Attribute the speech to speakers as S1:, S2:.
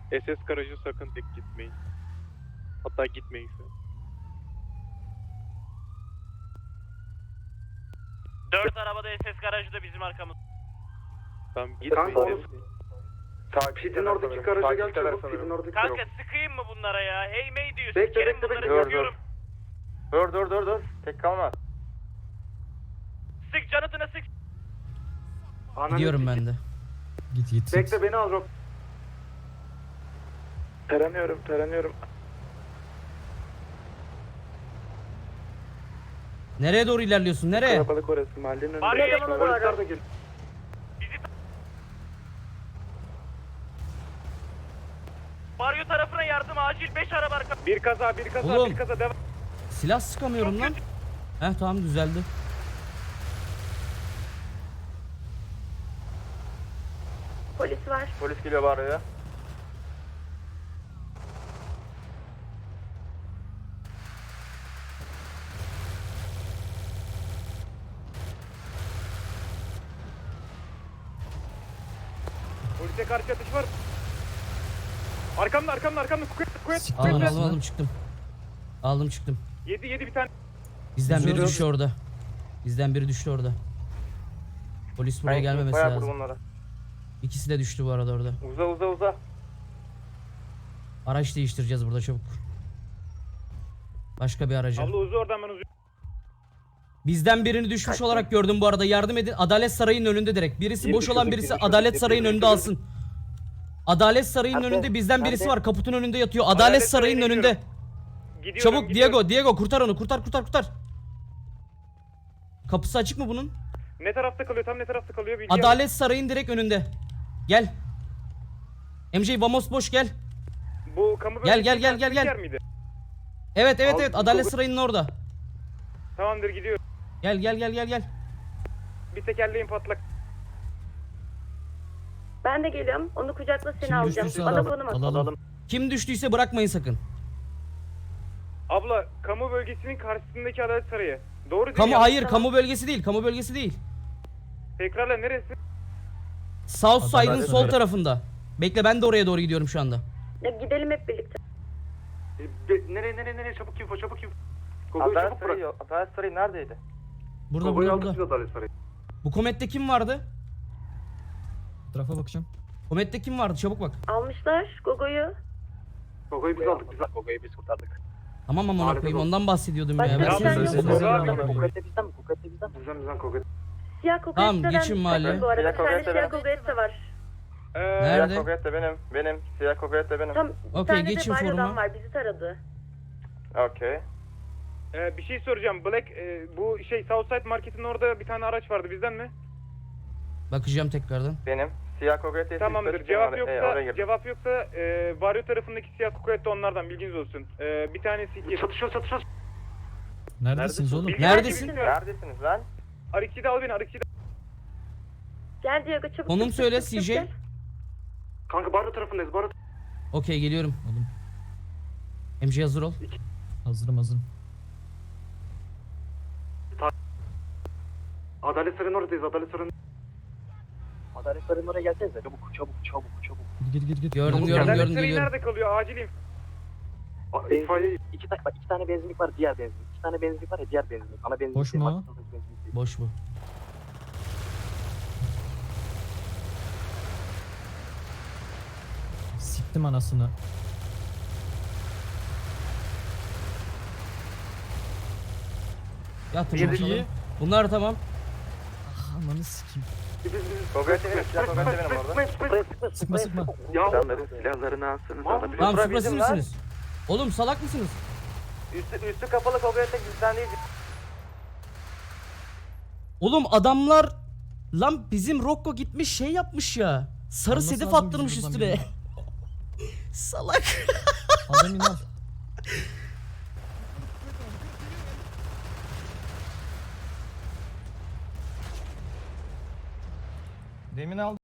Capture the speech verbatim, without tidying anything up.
S1: S S garajı sakın tek gitmeyin. Hatta gitmeyin şu an.
S2: Dört arabada S S garajı da bizim arkamız.
S1: Tamam gitmeyin.
S3: Kanka,
S1: dedim.
S3: Pidin oradaki garaja gel çabuk. Pidin oradaki
S2: Kanka sıkayım mı bunlara ya? Hey mey diyor.
S3: Bekle,
S2: Sikerim
S3: bekle,
S2: bunları,
S3: bekle. Dur,
S2: sıkıyorum.
S4: Dur dur dur dur. Tek kalma.
S2: Sık canıtına sık.
S5: Gidiyorum ben de.
S6: Git git.
S3: Bekle beni al Rob. Taranıyorum taranıyorum.
S5: Nereye doğru ilerliyorsun? Nereye?
S3: Kalabalık orası mahallenin önünde.
S2: Var ya,
S3: Polisler de gel.
S2: Mario tarafına yardım acil. Beş araba arka.
S1: Bir kaza, bir kaza,
S5: Oğlum.
S1: bir kaza devam.
S5: Silah sıkamıyorum lan. Heh tamam düzeldi.
S7: Polis var.
S4: Polis geliyor bağırıyor.
S1: Polise karşı atış var. Arkamda, arkamda, arkamda. Kuvvet, kuvvet,
S5: Aldım
S1: kuvvet.
S5: aldım aldım çıktım. Aldım çıktım.
S1: Yedi, yedi bir tane.
S5: Bizden biri
S6: Güzel.
S5: düştü orada. Bizden biri düştü orada. Polis buraya
S4: Ben
S5: gelmemesi
S4: bayağı
S5: lazım.
S4: vurdum onlara.
S5: İkisi de düştü bu arada orada.
S4: Uza uza uza.
S5: Araç değiştireceğiz burada çabuk. Başka bir araca.
S1: Abla uzu oradan ben uzu.
S5: Bizden birini düşmüş olarak gördüm bu arada. Yardım edin. Adalet Sarayı'nın önünde direkt. Birisi boş olan birisi Adalet Sarayı'nın önünde alsın. Adalet Sarayı'nın önünde bizden birisi var. Kaputun önünde yatıyor. Adalet
S1: Adalet
S5: Sarayı'nın
S1: Sarayı'na
S5: önünde.
S1: Gidiyorum,
S5: Çabuk
S1: gidiyorum.
S5: Diego, Diego kurtar onu. Kurtar kurtar kurtar. Kapısı açık mı bunun?
S1: Ne tarafta kalıyor, tam ne tarafta kalıyor bilgi
S5: Adalet Sarayı'nın direkt önünde. Gel. M J Vamos boş gel.
S1: al. Bu kamu
S5: Gel, gel, gel, gel,
S1: bölgesinin
S5: gel.
S1: yer miydi?
S5: Evet evet
S1: Al,
S5: evet
S1: bu-
S5: Adalet Sarayı'nın orada.
S1: Tamamdır gidiyorum.
S5: Gel gel gel gel gel.
S1: Bir tekerleğin patlak.
S7: Ben de geliyorum. Onu kucakla seni
S5: Kim
S7: alacağım.
S5: düştüyse
S7: Bana
S5: alalım.
S7: konum at.
S6: Alalım.
S5: Kim düştüyse bırakmayın sakın.
S1: Abla, kamu bölgesinin karşısındaki Adalet Sarayı. Doğru değil
S5: Kamu
S1: ya.
S5: hayır kamu bölgesi değil. Kamu bölgesi değil.
S1: Tekrarla neresi?
S5: South Side'ın
S6: Adalet
S5: sol
S6: Sarayı.
S5: tarafında. Bekle ben de oraya doğru gidiyorum şu anda.
S7: Ya gidelim hep birlikte.
S3: E, be- Nereye nereye nereye çabuk info çabuk info. Gogo'yu
S4: Adalet
S3: çabuk bırak.
S4: Sarayı, Adalet Sarayı neredeydi?
S5: Burada
S3: Gogo'yu
S5: burada
S3: aldık biz
S5: burada.
S3: Adalet Sarayı.
S5: Bu komette kim vardı?
S6: Tarafa bakacağım.
S5: Komette kim vardı? Çabuk bak.
S7: Almışlar Gogo'yu.
S3: Gogo'yu biz aldık biz aldık.
S4: Gogo'yu biz kurtardık.
S5: Tamam ama
S3: Harika
S5: koyayım
S3: oldu.
S5: ondan bahsediyordum
S7: Başka
S5: ya.
S7: bir
S5: Ben
S7: şey
S5: size
S7: yok.
S5: söyleyeyim.
S1: Gogo abi.
S4: Kokette bizden mi? Kokette bizden mi?
S3: Bizden bizden Gogo.
S7: Siyah Gogo
S5: Tamam,
S7: Et'ten
S5: geçin mahalle.
S7: Bu arada
S4: Siyah
S7: bir tane
S4: Gogo
S7: siyah
S4: Et'ten.
S7: Gogo Et de var.
S1: Ee,
S5: Nerede?
S4: Siyah Kokette benim. Benim. Siyah Kokette benim.
S7: Tam bir
S5: Okey,
S7: tane
S5: geçin
S7: de Baryo'dan
S5: foruma.
S7: var. Bizi taradı.
S4: Okey.
S1: e, bir şey soracağım. Black, e, bu şey Southside Market'in orada bir tane araç vardı. Bizden mi?
S5: Bakacağım tekrardan.
S4: Benim. Siyah Kokette.
S1: Tamamdır. Cevap yoksa, cevap yoksa e, Varyo tarafındaki siyah kukuet de onlardan, bilginiz olsun. E, bir tanesi iki.
S3: Çatışıyor çatışıyor.
S6: Neredesiniz oğlum?
S1: Bilgi-
S5: Neredesin?
S4: Neredesiniz lan?
S1: R iki'yi de al beni, R iki'yi de.
S7: Gel Diego çabuk.
S5: Konum
S7: çık,
S5: söyle
S7: çık, çık,
S5: C J.
S7: gel.
S3: Kanka Bardo tarafındayız Bardo.
S5: Okey geliyorum.
S6: Oğlum,
S5: M J hazır ol.
S6: hazırım hazırım.
S3: Adalet Sarayı'nın oradayız Adalet Sarayı'nın.
S4: Adalet Sarayı'nın oraya gelsenize. Çabuk çabuk çabuk çabuk.
S6: Git git git.
S5: Gördüm
S3: Çabuk
S5: gördüm
S3: gel.
S1: Adalet
S5: gördüm
S1: Sarayı
S5: geliyorum.
S1: nerede kalıyor? Acilim.
S3: A- İtfaiye
S8: İki tane bak iki tane benzinlik var, diğer benzinlik. İki tane benzinlik var ya, diğer benzinlik. Ana benzinlik.
S6: Boş
S8: değil,
S6: mu?
S8: maksimum benzinlik değil.
S5: Boş bu.
S6: Siktim anasını.
S5: Yatın
S6: Çok
S5: bakalım.
S6: iyi.
S5: Bunlar tamam.
S6: Ah, ananı sikeyim.
S3: biz biz.
S4: Kokette benim. Siyah Kokette benim orada.
S8: Sıkma sıkma
S6: Sıkma sıkma.
S3: Ya
S4: Adamların silahlarını alsınız.
S5: Tamam
S4: Bura
S5: süpresi
S4: bizim lan.
S5: misiniz? Oğlum salak mısınız?
S4: Üstü, üstü kapalı Kokette bizden değil.
S5: Oğlum adamlar lan bizim Rocco gitmiş şey yapmış ya. Sarı
S6: Alması
S5: sedef
S6: lazım
S5: attırmış
S6: bizim
S5: üstüne.
S6: buradan
S5: Salak.
S6: Al demin al.
S4: Demin aldım.